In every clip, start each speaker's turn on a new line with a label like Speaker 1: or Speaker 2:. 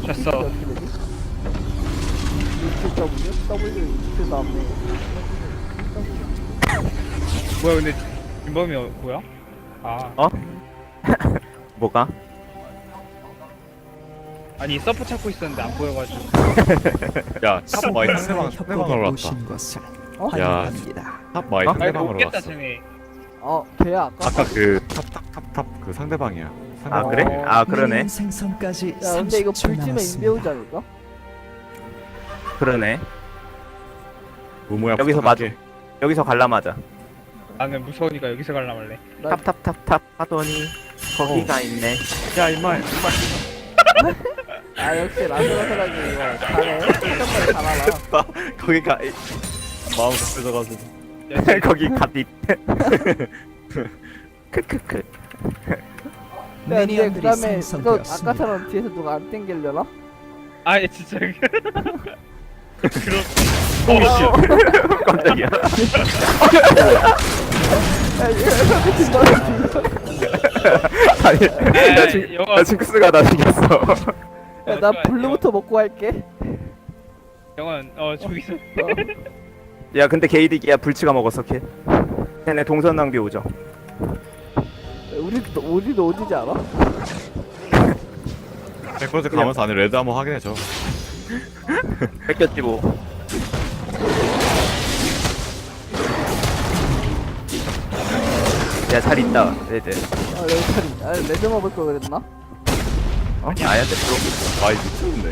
Speaker 1: 졌어.
Speaker 2: 어떻게 되지? 이렇게 W 이렇게 다음에
Speaker 1: 뭐야 근데 김범이 뭐야? 아
Speaker 3: 어? 뭐가?
Speaker 1: 아니 서프 찾고 있었는데 안 보여가지고.
Speaker 4: 야, 탑 마이 상대방으로
Speaker 5: 협곡에
Speaker 4: 왔다.
Speaker 5: 오신 것을
Speaker 2: 어?
Speaker 5: 환영합니다.
Speaker 4: 탑 마이
Speaker 3: 어?
Speaker 1: 아니
Speaker 4: 상대방으로
Speaker 1: 못겠다
Speaker 4: 왔어.
Speaker 1: 쟤네.
Speaker 2: 걔야 아까
Speaker 4: 아까 그 탑 그 상대방이야.
Speaker 3: 아
Speaker 4: 상대방.
Speaker 3: 그래? 아 그러네.
Speaker 5: 미니언 생성까지
Speaker 2: 야 근데 이거
Speaker 5: 30초
Speaker 2: 불치면
Speaker 5: 남았습니다.
Speaker 2: 인배우지 않을까?
Speaker 3: 그러네.
Speaker 4: 우모야
Speaker 3: 여기서
Speaker 4: 부탁할게.
Speaker 3: 여기서 관람하자.
Speaker 1: 나는 무서우니까 여기서 갈라말래.
Speaker 2: 나
Speaker 3: 탑 하더니 거기가 있네.
Speaker 4: 야 임마.
Speaker 2: 역시 라스라스라기 이거 잘해. 한번에 잘 알아.
Speaker 3: 거기가
Speaker 4: 마음 급해져가지고.
Speaker 3: 거기 갓잇. 크크크.
Speaker 2: 야 근데
Speaker 5: 미니언들이
Speaker 2: 그 다음에 이거
Speaker 5: 생성되었습니다.
Speaker 2: 아까처럼 뒤에서 누가 안 땡기려나?
Speaker 1: 아 진짜. 그럼.
Speaker 3: 깜짝이야.
Speaker 2: 야 이거 진짜
Speaker 3: 아니, 나 징크스가 나 생겼어.
Speaker 2: 나 블루부터 먹고 갈게.
Speaker 1: 영원 저기서.
Speaker 3: 야, 근데 게이득이야. 불치가 먹었어, 걔. 걔네 동선 낭비 오죠.
Speaker 2: 우리도 어디지 않아?
Speaker 4: 100% 가면서 안에 레드 한번 확인해줘.
Speaker 3: 뺏겼지 뭐. 야, 잘 있다, 레드.
Speaker 2: 레드 먹을 걸 그랬나?
Speaker 3: 어? 아야, 됐어.
Speaker 4: 마이 미쳤네.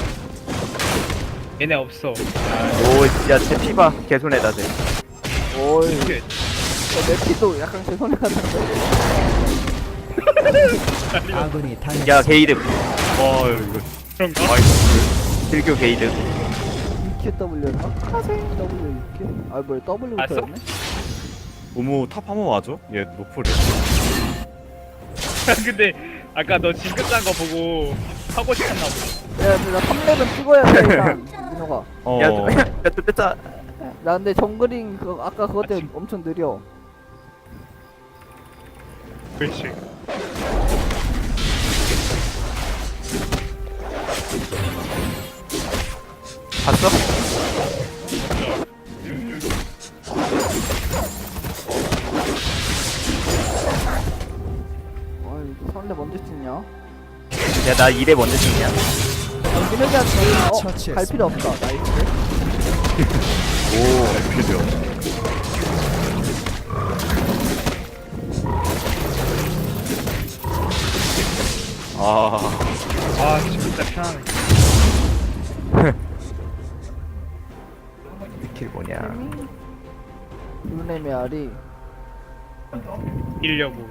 Speaker 1: 얘네 없어.
Speaker 3: 오, 진짜 제 피봐. 개손해다, 쟤.
Speaker 2: 오이
Speaker 1: 이게
Speaker 2: 내 피도 약간 제 손에 갔는데.
Speaker 5: 아군이
Speaker 3: 야, 게이득.
Speaker 4: 와 이거
Speaker 1: 그런가?
Speaker 3: 들교 게이득.
Speaker 2: EQW였나? W EQ? 뭐야 W부터였네?
Speaker 4: 우모 탑 한번 와줘. 얘 노플이야.
Speaker 1: 근데 아까 너 징크 짠거 보고 하고 싶었나 보다.
Speaker 2: 야 근데 나 3렙은 찍어야 돼 일단 민호가.
Speaker 3: 야, 또 뺐다.
Speaker 2: 나 근데 정글링 아까 그것 때문에 엄청 느려.
Speaker 1: 그렇지.
Speaker 3: 봤어?
Speaker 2: 이거 3렙 언제 찍냐?
Speaker 3: 야, 나 2대 먼저 찍냐?
Speaker 2: 민호기한테 갈
Speaker 5: 처치했습니다.
Speaker 2: 필요 없다. 나이스.
Speaker 4: 오 에피드요.
Speaker 1: 아 진짜 편하네.
Speaker 3: 스킬 뭐냐?
Speaker 2: 루네미 알이
Speaker 1: 이려고.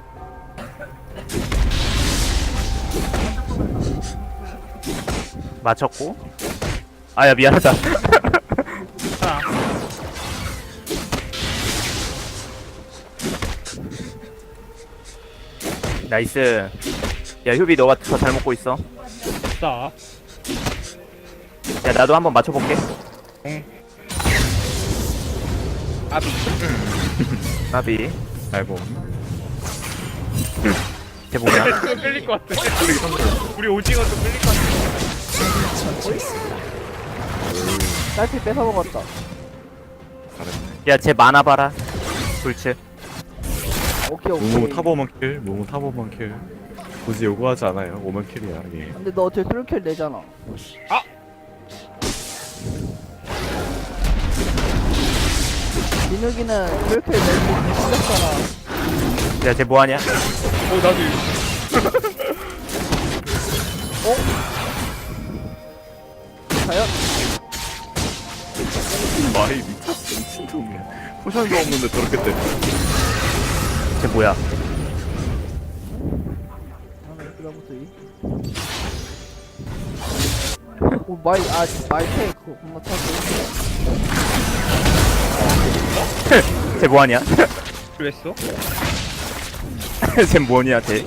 Speaker 3: 맞췄고. 아야, 미안하다.
Speaker 1: 하나.
Speaker 3: 나이스. 야, 효비 너가 더 잘 먹고 있어.
Speaker 1: 싸.
Speaker 3: 야, 나도 한번 맞춰볼게.
Speaker 1: 아비.
Speaker 3: 나비.
Speaker 4: 아이고.
Speaker 3: 쟤 뭐냐?
Speaker 1: 또 끌릴 것 같아. 우리 오징어도 끌릴 것 같아.
Speaker 2: 딸피 뺏어 먹었다.
Speaker 4: 잘했네.
Speaker 3: 야, 쟤 많아 봐라. 불치.
Speaker 2: 오케이.
Speaker 4: 우모 탑 오면 킬. 무모 탑 오면 킬. 굳이 요구하지 않아요. 오면 킬이야. 예.
Speaker 2: 근데 너 어차피 트롤킬 내잖아.
Speaker 1: 아!
Speaker 2: 민욱이는 트롤킬 내고 틀렸잖아.
Speaker 3: 야, 쟤 뭐하냐?
Speaker 1: 나도 이거.
Speaker 2: 과연?
Speaker 4: 마이 미쳤어. 미친놈이야. 포션도 없는데 저렇게 때.
Speaker 3: 쟤 뭐야?
Speaker 2: 그다음부터 이. 오 마이 테이크 겁나 차고.
Speaker 3: 쟤 뭐하냐?
Speaker 1: 왜 했어?
Speaker 3: 쟤 뭐냐, 쟤?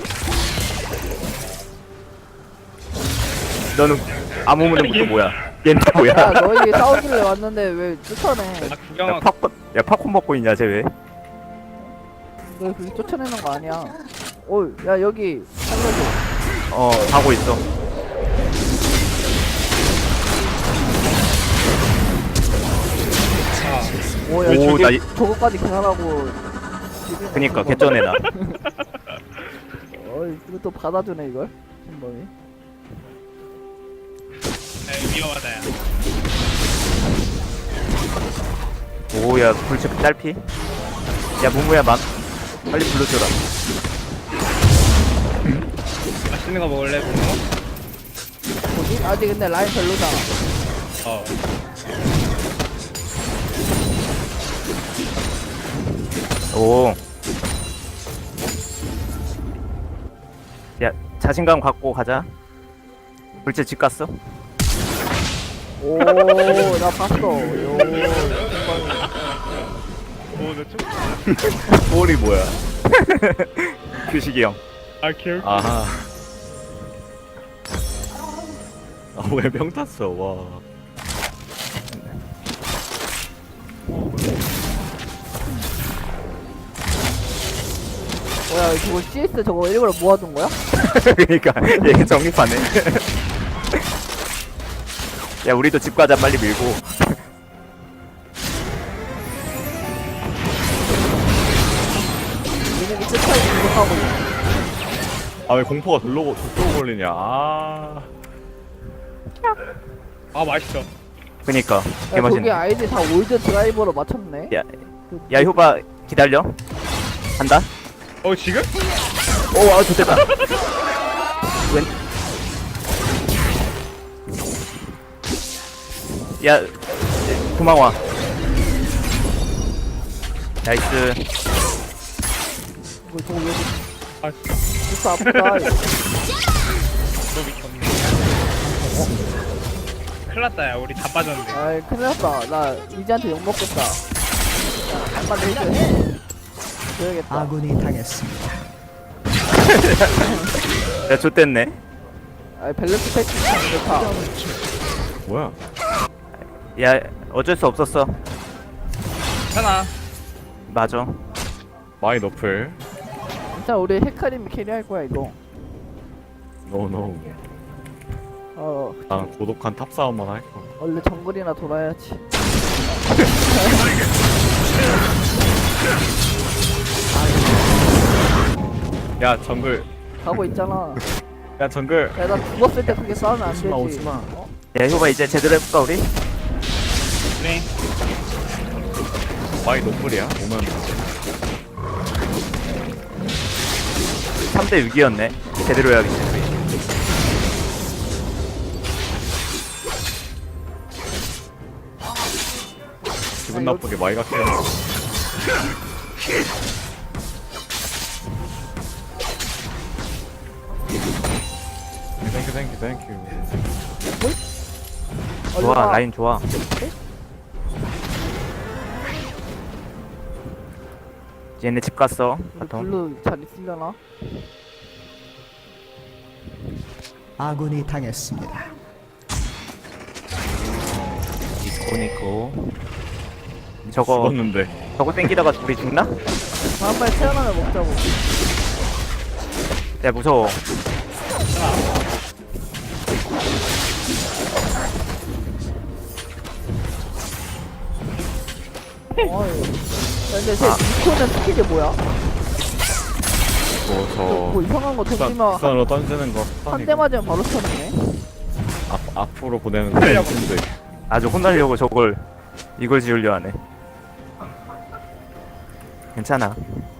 Speaker 3: 너는 아무 문제부터 뭐야? 얘는 또 뭐야?
Speaker 2: 야 너희 싸우길래 왔는데 왜 쫓아내?
Speaker 1: 아
Speaker 3: 야,
Speaker 1: 구경하고.
Speaker 3: 팝콘 먹고 있냐, 쟤 왜?
Speaker 2: 너 그렇게 쫓아내는 거 아니야. 야 여기 살려줘.
Speaker 3: 가고 있어.
Speaker 2: 오야
Speaker 3: 오, 나
Speaker 2: 저거까지 계산하고
Speaker 3: 그니까 개쩌네 나.
Speaker 2: 어이 이거 또 받아주네 이걸 신범이.
Speaker 1: 위험하다 야.
Speaker 3: 오야 불치 딸피. 야 문무야 막 빨리 불러줘라.
Speaker 1: 맛있는 거 먹을래 뭐?
Speaker 2: 뭐지? 아직 근데 라인 별로잖아.
Speaker 1: 어.
Speaker 3: 오. 야 자신감 갖고 가자. 불치 집 갔어?
Speaker 2: 오나 봤어. 요 신범이.
Speaker 1: 오너 좀.
Speaker 4: 볼이 뭐야?
Speaker 3: 규식이 형.
Speaker 1: 아 기억.
Speaker 4: 아하. 왜 병 탔어? 와.
Speaker 2: 뭐야 저거 CS 저거 일부러 모아둔 거야?
Speaker 3: 그니까 얘 정립하네. 야 우리도 집 가자 빨리 밀고.
Speaker 2: 얘네들 끝까지 공격하고 있어.
Speaker 4: 아 왜 공포가 돌로 걸리냐? 아.
Speaker 1: 아 맛있어.
Speaker 3: 그니까
Speaker 2: 야 저기
Speaker 3: 개맛있네.
Speaker 2: 아이디 다 올드 드라이버로 맞췄네.
Speaker 3: 야 효바 기다려. 간다.
Speaker 1: 어 지금?
Speaker 3: 오아 좋겠다. 왼. 야 도망와. 나이스.
Speaker 2: 뭐 저거 왜
Speaker 1: 아
Speaker 2: 진짜 아프다.
Speaker 1: 너 미쳤네. 큰일 났다 야 우리 다 빠졌는데.
Speaker 2: 아이 큰일 났다. 나 이지한테 욕먹겠다. 한번 해줘. 줘야겠다.
Speaker 5: 아군이 당했습니다.
Speaker 3: 야 좆됐네.
Speaker 2: 아이 밸런스 패치 참 좋다.
Speaker 4: 뭐야?
Speaker 3: 야 어쩔 수 없었어.
Speaker 1: 괜찮아.
Speaker 3: 맞아.
Speaker 4: 마이 너플.
Speaker 2: 진짜 우리 헤카림이 캐리할 거야 이거.
Speaker 4: 노노. 난 고독한 탑 싸움만 할 거.
Speaker 2: 원래 정글이나 돌아야지.
Speaker 4: 야 정글.
Speaker 2: 가고 있잖아.
Speaker 4: 야 정글.
Speaker 2: 야 나 죽었을 때 그렇게 싸우면 안 되지.
Speaker 4: 오지마, 오지마.
Speaker 2: 어?
Speaker 3: 야 효바 이제 제대로 해볼까 우리?
Speaker 1: 그래.
Speaker 4: 마이 노플이야. 오면
Speaker 3: 3대 6이었네. 제대로 해야겠지.
Speaker 4: 기분 나쁘게 마이가 캐. 땡큐.
Speaker 3: 좋아
Speaker 2: 얼른 와.
Speaker 3: 라인 좋아. 얘네 집 갔어.
Speaker 2: 우리
Speaker 3: 바텀.
Speaker 2: 블루 잘 있으려나?
Speaker 5: 아군이 당했습니다.
Speaker 3: 이스코니코. 저거
Speaker 4: 죽었는데.
Speaker 3: 저거 땡기다가 우리 죽나?
Speaker 2: 다음번에 태어나면 먹자고.
Speaker 3: 야 무서워.
Speaker 2: 어이. 야, 근데 쟤 니코는 스킬이 뭐야? 뭐 이상한 거 던지면
Speaker 4: 부산으로 던지는 거.
Speaker 2: 한 대 맞으면 바로 터지네.
Speaker 4: 앞으로 보내는 거. 근데
Speaker 3: 아주 혼나려고 저걸 이걸 지으려 하네. 괜찮아.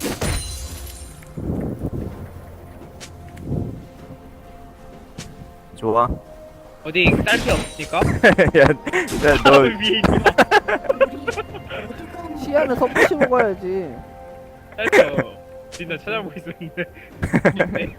Speaker 3: 좋아.
Speaker 1: 어디 딸피 없으니까?
Speaker 3: 너
Speaker 1: 위에 있어.
Speaker 2: 시야는 섭취 먹어야지.
Speaker 1: 딸피 진짜 찾아보고 있었는데. 있네.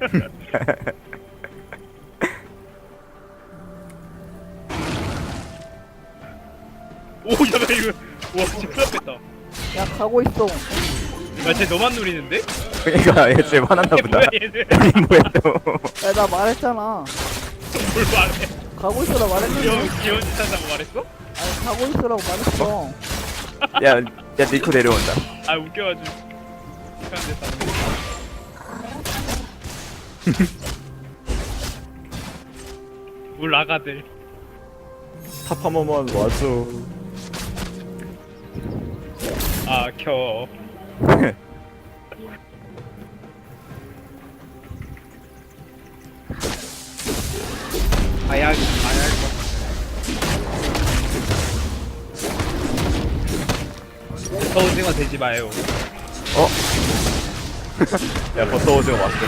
Speaker 1: 오, 야, 나 이거, 와, 진짜 큰일 났겠다.
Speaker 2: 야 가고 있어.
Speaker 1: 야, 쟤 너만 누리는데?
Speaker 3: 그러니까 얘쟤 화났나 보다.
Speaker 1: 뭐야, 얘들.
Speaker 3: 이 뭐야 또.
Speaker 2: 야 나 말했잖아.
Speaker 1: 뭘 말해?
Speaker 2: 가고 있으라고 말했는데.
Speaker 1: 귀여운 짓 한다고 말했어?
Speaker 2: 아니 가고 있으라고 말했어.
Speaker 3: 야 니코 내려온다.
Speaker 1: 아, 웃겨가지고. 시간 됐다. 물 나가들.
Speaker 4: 탑 한 번만 와줘.
Speaker 1: 아, 켜. 아야. 저 오징어 되지 마요.
Speaker 4: 야 버터 오징어 맛있겠다.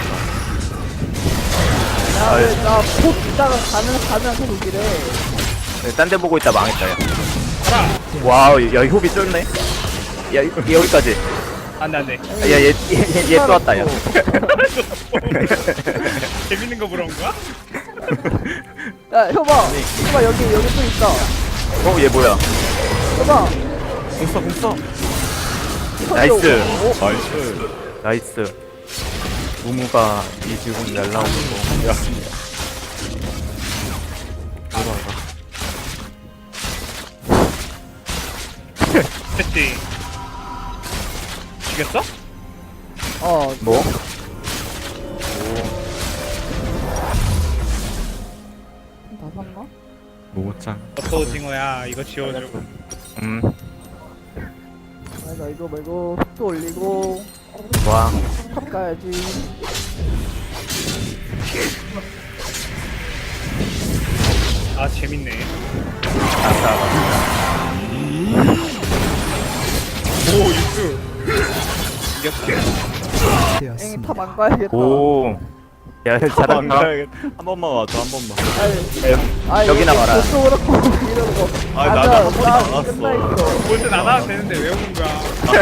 Speaker 2: 야나곧 있다가 가면 계속 이래.
Speaker 3: 딴 데 보고 있다 망했다 야.
Speaker 1: 가라.
Speaker 3: 와우 야 효비 쫄네. 야 여기까지.
Speaker 1: 안돼 안돼.
Speaker 3: 야얘 또 왔다 야.
Speaker 1: 재밌는 거 물어본 거야?
Speaker 2: 야 효봐 여기 또 있다.
Speaker 3: 얘 뭐야?
Speaker 2: 효봐
Speaker 4: 공써.
Speaker 3: 나이스.
Speaker 4: 나이스.
Speaker 3: 나이스. 무무가 이 지금 날라오는 거.
Speaker 4: 야.
Speaker 1: 됐지. 죽였어?
Speaker 3: 뭐?
Speaker 2: 다 샀나?
Speaker 4: 모모짱.
Speaker 1: 버터 오징어야. 이거 지워줘.
Speaker 2: 나 이거 말고 속도 올리고
Speaker 3: 와.
Speaker 2: 탑 가야지.
Speaker 1: 아 재밌네. 오 육수. 이겼다.
Speaker 2: 엥
Speaker 5: 되었습니다.
Speaker 2: 탑 안 가야겠다.
Speaker 3: 오. 야 잘한다.
Speaker 4: 한 번만 와줘 한 번만.
Speaker 2: 아니
Speaker 3: 여기 나와라.
Speaker 2: 속도 그렇고 이러는 거.
Speaker 4: 아니,
Speaker 2: 맞아,
Speaker 4: 나도 한 번도 안
Speaker 2: 나
Speaker 4: 왔어.
Speaker 2: 끝나 있어.
Speaker 1: 볼땐 안 와도 되는데 왜 오는 거야?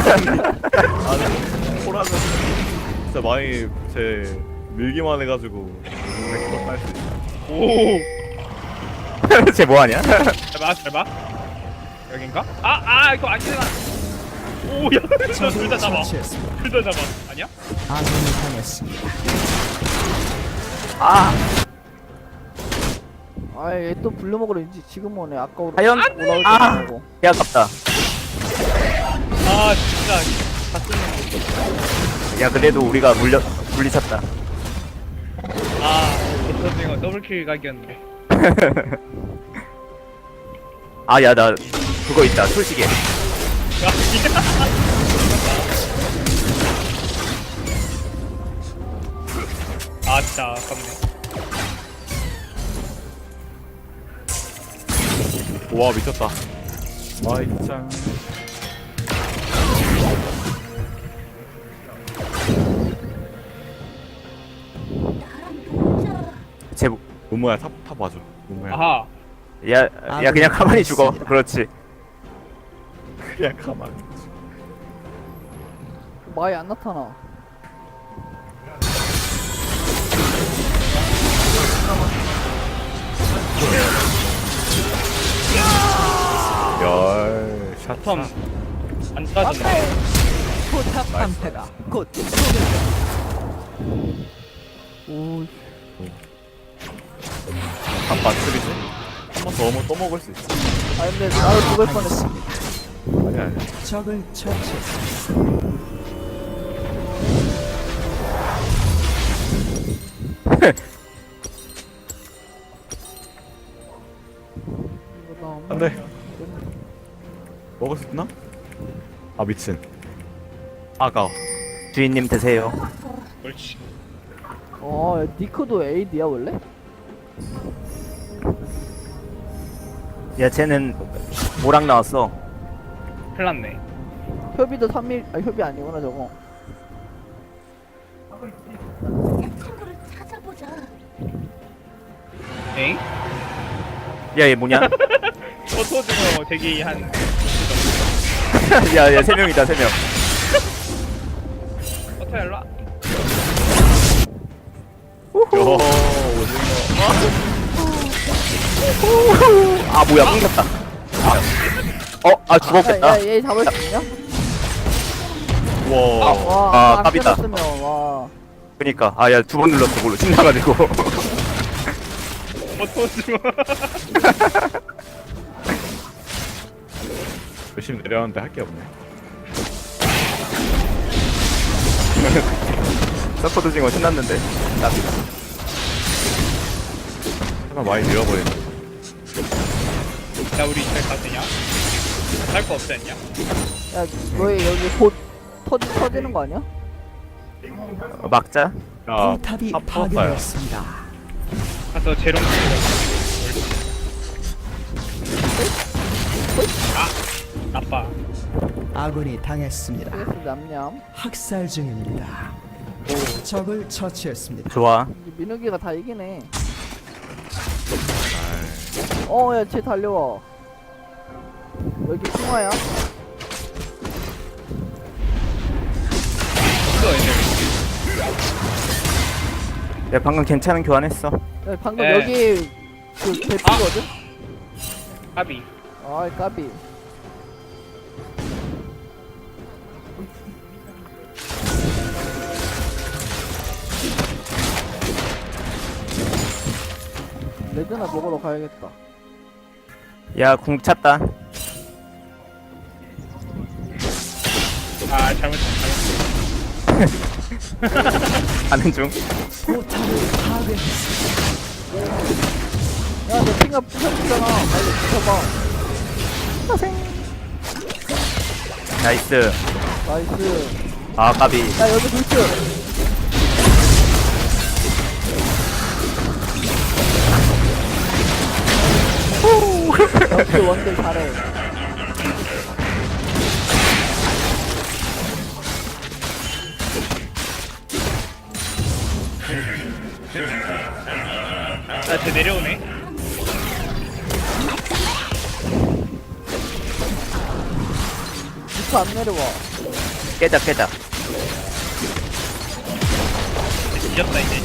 Speaker 4: 아니 호라는 진짜 많이 제 밀기만 해가지고 100% 딸수 있어.
Speaker 1: 오.
Speaker 3: 쟤 뭐하냐?
Speaker 1: 잘 봐. 여긴가? 이거 아니잖아. 오, 야, 둘다 잡아.
Speaker 5: 처치했습니다.
Speaker 1: 둘 다 잡아. 아니야?
Speaker 5: 아군이 당했습니다.
Speaker 2: 아얘 또 불러 먹으러 이제 지금 오네. 아까
Speaker 3: 과연?
Speaker 2: 올라올 때
Speaker 3: 아.
Speaker 2: 말고.
Speaker 3: 야 아깝다.
Speaker 1: 아, 진짜 다 쓰는
Speaker 3: 야 그래도 우리가 물리쳤다.
Speaker 1: 거. 아, 버터징어 더블킬 각이었는데.
Speaker 3: 아 야 나 그거 있다 솔직히.
Speaker 1: 아, 진짜 아깝네.
Speaker 4: 와 미쳤다. 와이짱.
Speaker 3: 쟤
Speaker 4: 모모야 탑 와줘. 모모야.
Speaker 1: 아하.
Speaker 3: 야 그냥 가만히 죽어. 그렇지.
Speaker 4: 그냥 가만.
Speaker 2: 마이 안 나타나.
Speaker 4: 열 샷.
Speaker 1: 텀. 안 따졌네.
Speaker 5: 포탑 방패가 곧
Speaker 2: 오
Speaker 4: 한 반쯤이지? 한 번 더 오면 또 먹을 수 있어.
Speaker 2: 아 근데 나도 죽을 뻔했어.
Speaker 4: 아니야.
Speaker 5: 적을 처치했습니다.
Speaker 2: 이거 나
Speaker 4: 안 돼. 먹을 수 있나? 아 미친. 아까워.
Speaker 3: 주인님 드세요.
Speaker 1: 그렇지.
Speaker 2: 니크도 AD야 원래?
Speaker 3: 야 쟤는 모랑 나왔어.
Speaker 1: 큰일 났네.
Speaker 2: 협의도 3mm 협의 아니구나 저거.
Speaker 1: 엥?
Speaker 3: 야 얘 뭐냐?
Speaker 1: 버터징어 대기 한.
Speaker 3: 야야 3명이다 3명.
Speaker 1: 버터 일로 와.
Speaker 4: 요 오징어.
Speaker 3: 아 뭐야 끊겼다. 죽었겠다.
Speaker 2: 야얘 잡을 수 있냐?
Speaker 4: 와.
Speaker 2: 와,
Speaker 3: 깝이다.
Speaker 2: 끊었으면 와.
Speaker 3: 그니까 야 2번 눌렀어 그걸로 신나가지고.
Speaker 1: 버터징어.
Speaker 4: 열심히 내려왔는데 할 게 없네.
Speaker 3: 서포트 징어 신났는데. 깝이다.
Speaker 4: 하나 많이 밀어버리네.
Speaker 1: 야, 우리 이제 가느냐? 살 거 없지 않냐?
Speaker 2: 야 너희 여기 곧 터지는 거 아니야?
Speaker 3: 막자.
Speaker 4: 야
Speaker 5: 포탑이
Speaker 4: 다 풀었어요.
Speaker 5: 파괴되었습니다.
Speaker 1: 가서 재롱 아 나빠.
Speaker 5: 아군이 당했습니다.
Speaker 2: PS 냠냠.
Speaker 5: 학살 중입니다. 적을 처치했습니다.
Speaker 3: 좋아.
Speaker 2: 이제 민욱이가 다 이기네. 야 쟤 달려와. 여기 숭아야?
Speaker 1: 또 애들.
Speaker 3: 야 방금 괜찮은 교환했어.
Speaker 2: 야, 방금
Speaker 1: 네.
Speaker 2: 여기 그 대피거든?
Speaker 1: 까비.
Speaker 2: 아 까비. 레드나 먹으러 가야겠다.
Speaker 3: 야 궁 찼다.
Speaker 1: 아 잘못했어.
Speaker 3: 가는 중.
Speaker 5: 포탑을 파괴했습니다.
Speaker 2: 야너 핑가 부셔주잖아. 빨리 부셔봐.
Speaker 3: 나이스.
Speaker 2: 나이스.
Speaker 3: 아 까비.
Speaker 2: 야 여기 불츠. 역시 원딜 잘해.
Speaker 1: 나쟤 내려오네.
Speaker 2: 미쳐 안 내려와.
Speaker 3: 깨자 깨자.
Speaker 1: 뒤졌다 이제.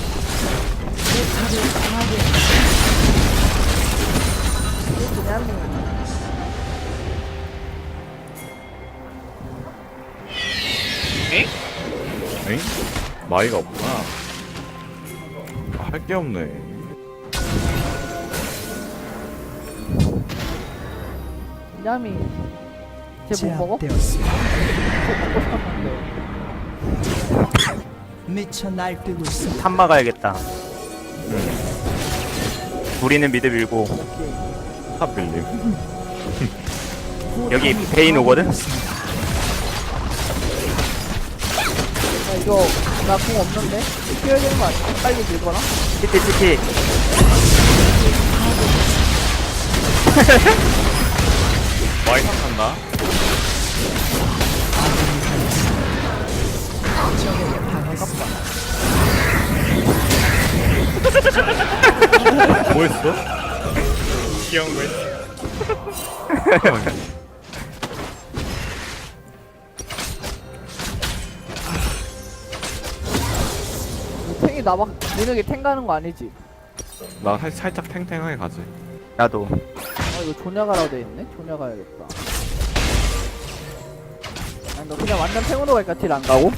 Speaker 2: 그냥
Speaker 1: 에?
Speaker 4: 엥? 마이가 없구나. 할 게 없네.
Speaker 2: 냠이 쟤 못 먹어?
Speaker 5: 제압되었습니다.
Speaker 2: 먹고 싶었는데.
Speaker 5: 미쳐 날뛰고 있습니다.
Speaker 3: 탑 막아야겠다. 우리는 미드 밀고
Speaker 2: 오케이.
Speaker 4: 탑 빌림.
Speaker 3: 여기 베인 오거든?
Speaker 2: 야 이거 나 공 없는데? 뛰어야 되는 거 아니야? 빨리 밀거나?
Speaker 3: 치티 치티.
Speaker 4: 마이 탑한다. 뭐 했어?
Speaker 1: 귀여운 거 했어.
Speaker 2: 탱이 나막 민욱이 탱 가는 거 아니지?
Speaker 4: 나 살짝 탱탱하게 가지.
Speaker 3: 나도.
Speaker 2: 아 이거 조냐가라고 돼있네? 조냐 가야겠다. 아니 너 그냥 완전 탱으로 갈까? 딜 안 가고?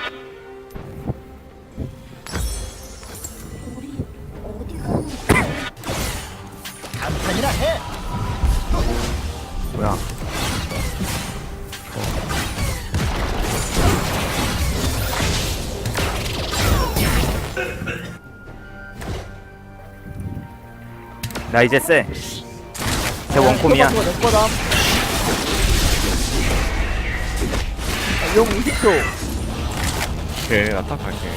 Speaker 3: 뭐야? 나 이제 쎄. 쟤 원콤이야.
Speaker 2: 내 거다. 용 20초.
Speaker 4: 오케이, 나 탑 갈게.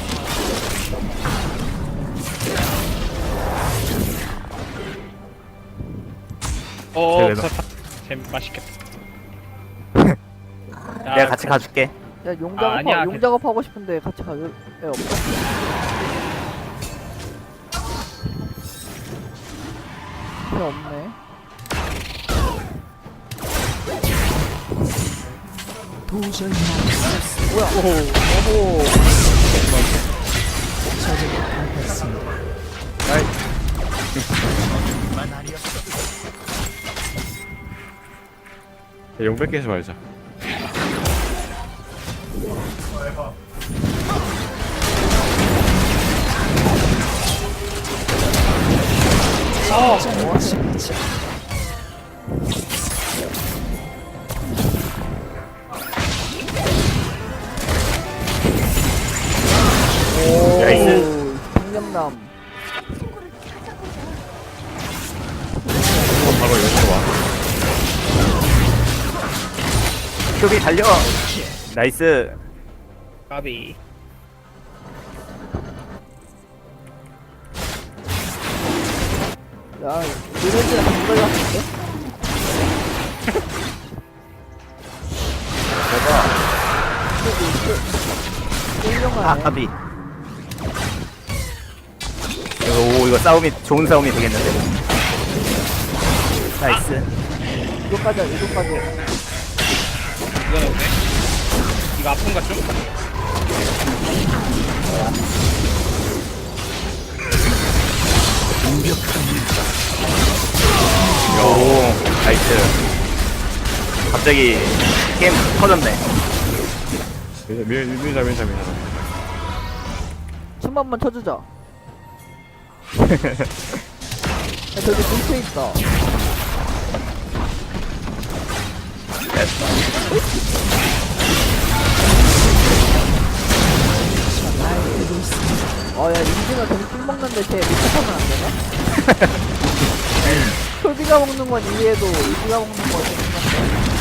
Speaker 1: 어,
Speaker 3: 쟤
Speaker 1: 그렇다. 쟤 맛있겠다.
Speaker 3: 내가 같이 가줄게.
Speaker 2: 야 용
Speaker 1: 아, 아니야,
Speaker 2: 용 작업하고 싶은데 같이 가줄 애 없어? 애 없네.
Speaker 5: 도저히 막을 수 없습니다.
Speaker 2: 뭐야? 오호.
Speaker 5: 적에게 당했습니다.
Speaker 4: 용 뺏기지 말자.
Speaker 5: 진짜.
Speaker 3: 나이스.
Speaker 2: 청렴남.
Speaker 4: 바로 용으로 와.
Speaker 3: 표비 달려. 나이스.
Speaker 1: 까비.
Speaker 2: 야, 이런지랑 한걸 같은데?
Speaker 3: 아, 까비. 이거 싸움이 좋은 싸움이 되겠는데. 나이스.
Speaker 2: 이거까지, 이거까지.
Speaker 1: 이건 어때? 이거 아픈가 좀?
Speaker 3: 오, 나이스. 갑자기 게임 터졌네.
Speaker 4: 밀자.
Speaker 2: 춤 한번 쳐주자. 야, 저기 불새 있다.
Speaker 5: 날뛰고 있습니다.
Speaker 2: 야, 인지가 저기 술 먹는데 쟤 미쳐서는 안 되나? 솔비가 먹는 건 이해해도 인지가 먹는 건 생각해.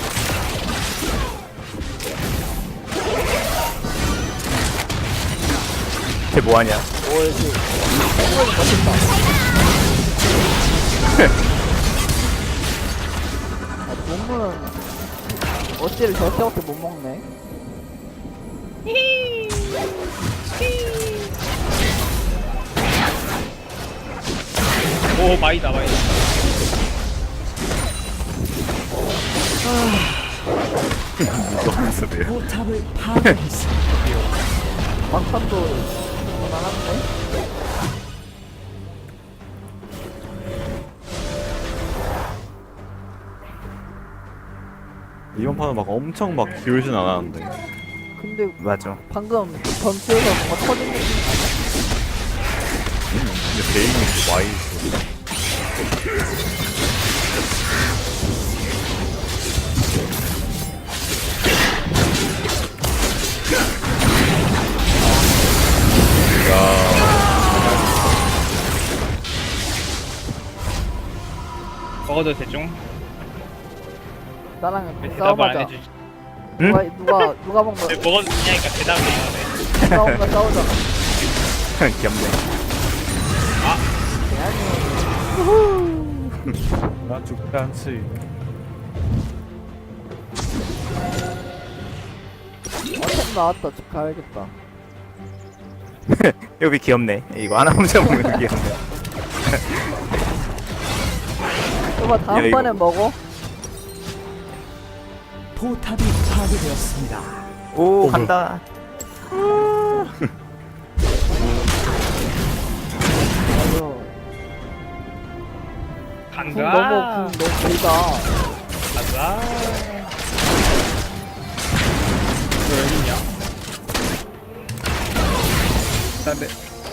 Speaker 3: 쟤 뭐하냐?
Speaker 2: 오, 이렇게. 생각이 멋있다. 몸은 어찌를 저렇게 못 먹네.
Speaker 1: 오 마이다 마이다.
Speaker 5: 포탑을 파괴했습니다.
Speaker 2: 막판도 나갔네.
Speaker 4: 이번 판은 막 엄청 막 기울진 않았는데.
Speaker 2: 근데
Speaker 3: 맞아.
Speaker 2: 방금 전투에서 뭔가 터진 느낌.
Speaker 4: 근데 베인이 와이 있어.
Speaker 1: 먹어도 대충.
Speaker 2: 나랑
Speaker 1: 대답을 안
Speaker 2: 싸워보자.
Speaker 1: 해주지.
Speaker 2: 누가 먹는
Speaker 1: 왜 먹어도 되냐니까 대답을 안 해.
Speaker 2: 누가 먹는 싸우자.
Speaker 3: 귀엽네.
Speaker 4: 나 죽지 않지.
Speaker 2: 어템 나왔다. 집 가야겠다.
Speaker 3: 여기 귀엽네. 이거 하나 혼자 먹는 거 귀엽네.
Speaker 2: 이거
Speaker 3: 야,
Speaker 2: 다음번에
Speaker 3: 이거-
Speaker 2: 먹어.
Speaker 5: 포탑이 파괴되었습니다.
Speaker 3: 오, 간다.
Speaker 2: 맞아.
Speaker 1: 간다.
Speaker 2: 궁 너무 길다.
Speaker 1: 가자. 너 여기 있냐? 근데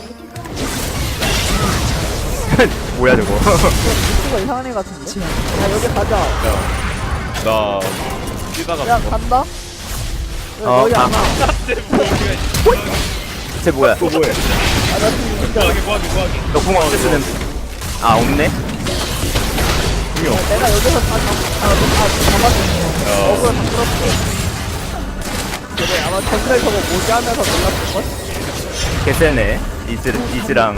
Speaker 3: 뭐야 저거.
Speaker 2: 루트가 이상한 애 같은데? 야, 여기 가자.
Speaker 4: 나 뛰다가
Speaker 2: 야,
Speaker 4: 죽어.
Speaker 2: 간다? 왜
Speaker 3: 어,
Speaker 2: 너희 안 와?
Speaker 3: 쟤 뭐야?
Speaker 4: 또 뭐해?
Speaker 2: 아, 나 지금 진짜.
Speaker 1: 뭐하게.
Speaker 3: 너궁 어떻게 쓰는? 아, 없네.
Speaker 2: 내가 여기서 다 잡았는데. 억울 다 끌었어. 그래, 아마 전설 저거 뭐지 하면서 놀랐을걸?
Speaker 3: 개쎄네. 이즈랑.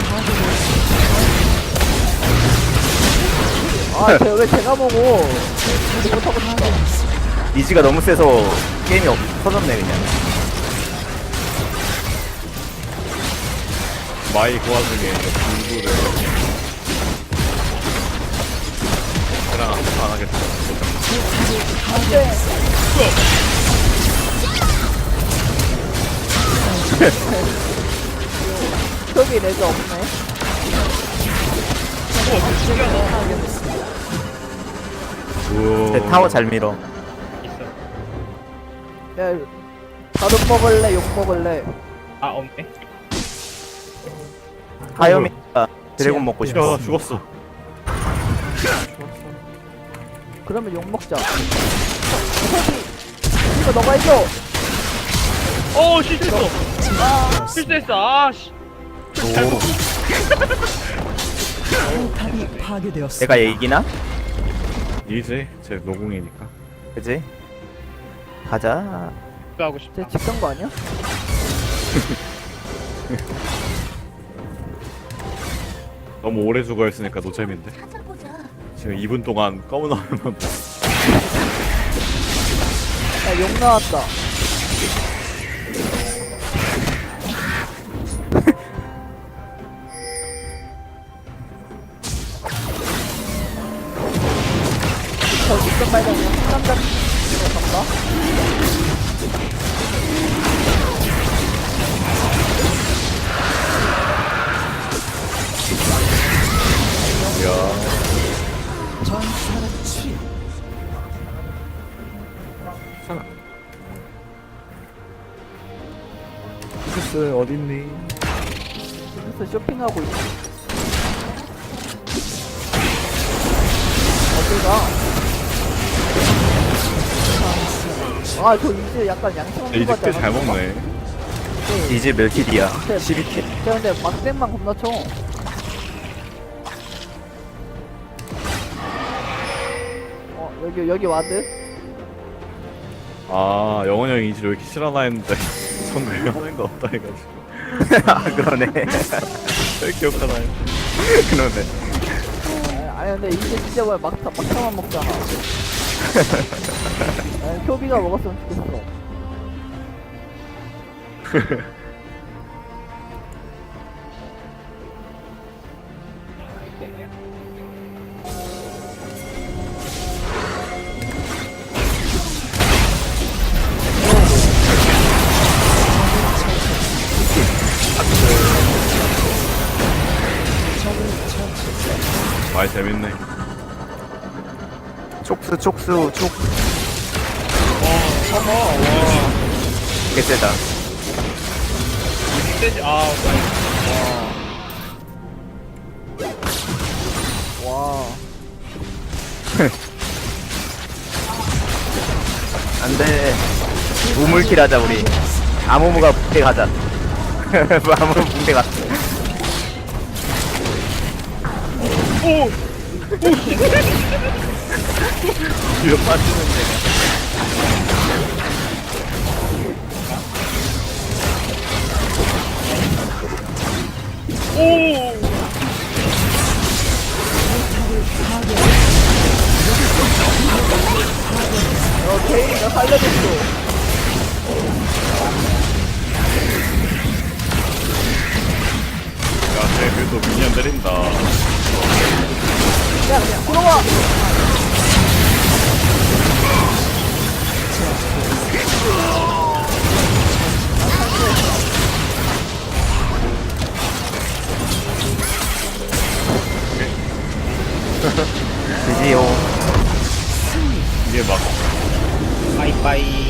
Speaker 2: 아, 왜 제가 보고. 이제 못하고 있어.
Speaker 3: 이즈가 너무 세서 게임이 터졌네 그냥.
Speaker 4: 마이 그 와중에 이제 공부를 그냥 안 하겠다.
Speaker 2: 안 돼. 저기 레드 없네.
Speaker 3: 쟤 타워 잘 밀어.
Speaker 1: 있어.
Speaker 2: 야, 다른 먹을래? 욕 먹을래?
Speaker 1: 아 없네.
Speaker 3: 하염이가 드래곤 먹고
Speaker 4: 야,
Speaker 3: 싶어.
Speaker 4: 나 죽었어.
Speaker 2: 그러면 욕 먹자. 이거 너가 해줘.
Speaker 1: 오 실수했어. 실수했어. 아씨.
Speaker 5: 포탑이 파괴되었습니다.
Speaker 3: 내가 이기나?
Speaker 4: 이제 제 노궁이니까.
Speaker 3: 그지? 가자.
Speaker 1: 하고 싶다.
Speaker 2: 쟤 직선 거 아니야?
Speaker 4: 너무 오래 죽어 있으니까 노잼인데. 지금 2분 동안 검은 화면만
Speaker 2: 야욕 나왔다. 저 직선 발견이야. 상남자 이거 간다.
Speaker 5: 전사는 치.
Speaker 4: 크스 어딨니?
Speaker 2: 그래서 쇼핑하고 있어. 어디가? 아, 저 이제 약간 양심 없는
Speaker 4: 이제
Speaker 2: 거 같지
Speaker 4: 꽤잘
Speaker 2: 않아?
Speaker 4: 먹네.
Speaker 3: 이제 몇 킬이야?
Speaker 2: 네.
Speaker 3: 12킬.
Speaker 2: 쟤 근데 막대만 겁나 쳐. 여기 와드?
Speaker 4: 아 영원 형이 이제 왜 이렇게 싫어나 했는데 정글 하는 거 없다 해가지고.
Speaker 3: 아, 그러네.
Speaker 4: 왜 기억하나요?
Speaker 3: 그러네.
Speaker 2: 아니 근데 이제 진짜 뭐야 막타만 먹잖아. 아니, 표비가 먹었으면 좋겠어.
Speaker 4: 많이 재밌네.
Speaker 3: 촉수, 촉수, 촉. 개쎄다.
Speaker 1: 세지. 아,
Speaker 2: 와.
Speaker 3: 안 돼. 우물킬 하자, 우리. 아무무가 붕대 가자. 아무무 붕대 갔어.
Speaker 4: 뒤로 빠지는 데가.
Speaker 2: 케인 나 살려줬어.
Speaker 4: 야, 쟤 그래도 미니언 때린다.
Speaker 2: 야 들어와.
Speaker 3: 드디어.
Speaker 4: 이게 막
Speaker 1: 바이바이.